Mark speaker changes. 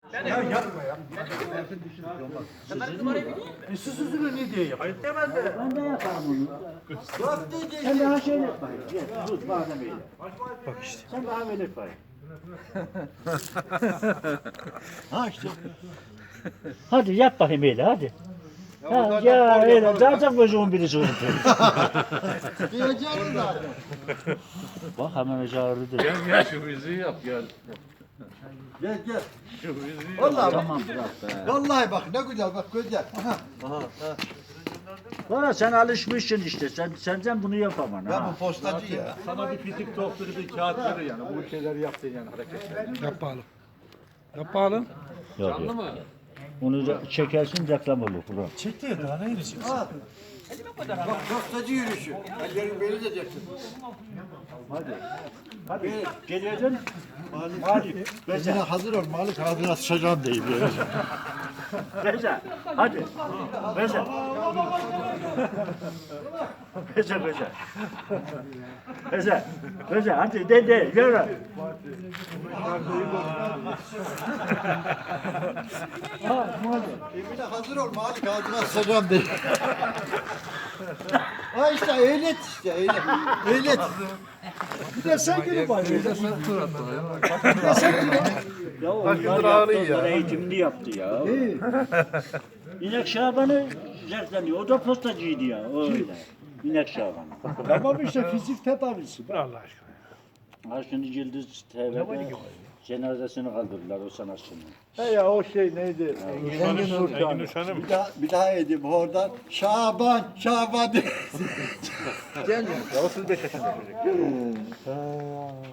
Speaker 1: Ya yapma ya. Süsüzünü ne diye yapayım? Hemen de.
Speaker 2: Ben de yaparım onu. Sen daha şöyle yap bakayım. Gel, dur madem öyle.
Speaker 1: Bak işte.
Speaker 2: Sen daha böyle yap bakayım.
Speaker 1: Ha işte.
Speaker 2: Hadi yap bakayım öyle hadi. Ha, ya öyle zaten gözümün birisi oldu.
Speaker 3: Diyeceğim zaten.
Speaker 2: Bak hemen çağırdı.
Speaker 4: Gel şu müziği yap gel.
Speaker 3: Gel gel.
Speaker 4: Şu müziği yap.
Speaker 3: Vallahi bak.
Speaker 2: Tamam bırak be.
Speaker 3: Vallahi bak ne güzel bak güzel. Aha.
Speaker 2: Bana sen alışmışsın işte. Senden bunu yapamam
Speaker 3: Ya
Speaker 2: ha.
Speaker 3: bu postacı ya.
Speaker 4: Sana bir pitik tokturu bir kağıt verir yani. Bu şeyleri yaptın yani hareketler.
Speaker 1: Yapalım. Yapalım.
Speaker 2: Yok,
Speaker 4: Anladın
Speaker 2: yok.
Speaker 4: mı?
Speaker 2: Onu da çekersin reklam olur. Bırak.
Speaker 1: Çekti ya daha ne yiyeceksin?
Speaker 3: Ha. Bak postacı yürüyüşü. Ellerin beni diyeceksin.
Speaker 2: Hadi gelirdin. Malik.
Speaker 3: Bezine hazır ol Malik ağzına sıçacağım deyip yani.
Speaker 2: Beze. Hadi. Beze. Beze beze. Beze. Beze. Hadi de yürü.
Speaker 3: Emine hazır ol Malik ağzına sıçacağım deyip. Ha işte ehliyet işte ehliyet. Ehliyet.
Speaker 1: Bir de sen gelip bari.
Speaker 2: Ya onlar yaptı, onlar eğitimli yaptı ya. İnek Şaban'ı zevkleniyor. O da postacıydı ya. Öyle. İnek Şaban.
Speaker 1: Tamam işte fizik tedavisi. Allah aşkına.
Speaker 2: Ha şimdi Yıldız TV'de cenazesini kaldırdılar o sanatçının.
Speaker 1: He ya o şey neydi?
Speaker 3: Engin Nurcan. Bir daha edeyim oradan. Şaban de.
Speaker 1: Ya 35 yaşında çocuk.